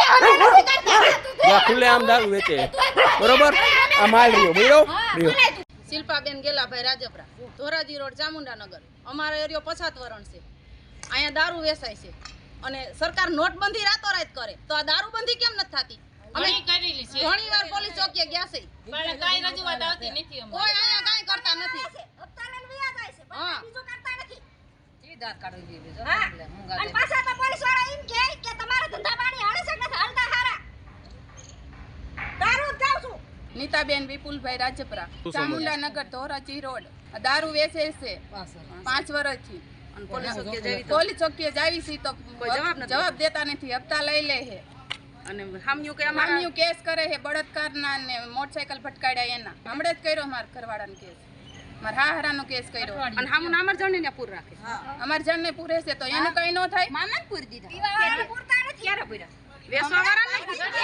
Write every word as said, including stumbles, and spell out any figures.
ખુલ્લે આમ દારૂ વેચે બરોબર આ માલ રહ્યો બોલો રહ્યો શિલ્પાબેન ગેલાભાઈ રાજપરા ધોરાજી રોડ ચામુંડાનગર અમારો એરિયો પછાત વરણ છે અહીંયા દારૂ વેચાય છે અને સરકાર નોટબંધી રાતોરાત કરે તો આ દારૂબંધી કેમ નથી થતી અમે કરેલી છે ઘણી વાર પોલીસ ચોકીએ ગયા છે પણ કાઈ રજૂઆત આવતી નથી અમે કોઈ અહીંયા કાઈ કરતા નથી હપ્તાને વ્યાજ જાય છે પણ બીજું કરતા નથી સીધા કાઢી દીધી જો અને પાછા તો પોલીસ વાળા એમ કહે કે તમારા ધંધા પાણી હાલે છે કે હાલતા હારા દારૂ જાવ છું નીતાબેન વિપુલભાઈ રાજપરા ચામુંડાનગર ધોરાજી રોડ દારૂ વેચે છે પાંચ વર્ષથી પોલીસ ચોકીએ જાવી છે તો જવાબ દેતા નથી હપ્તા લઈ લે છે અને હામ્યું કે હામ્યું કેસ કરે છે બળાત્કારના ને મોટરસાઇકલ ફટકાડ્યા એના હમણે જ કર્યો માર ઘરવાળાનો કેસ માર હાહરાનો કેસ કર્યો અને હામું અમાર જણને ને પૂર રાખે અમાર જણને પૂરે છે તો એને કઈ ન થાય મામા પૂર દીધા પૂરતા નથી ક્યારે પૂરા વેસવા વાળા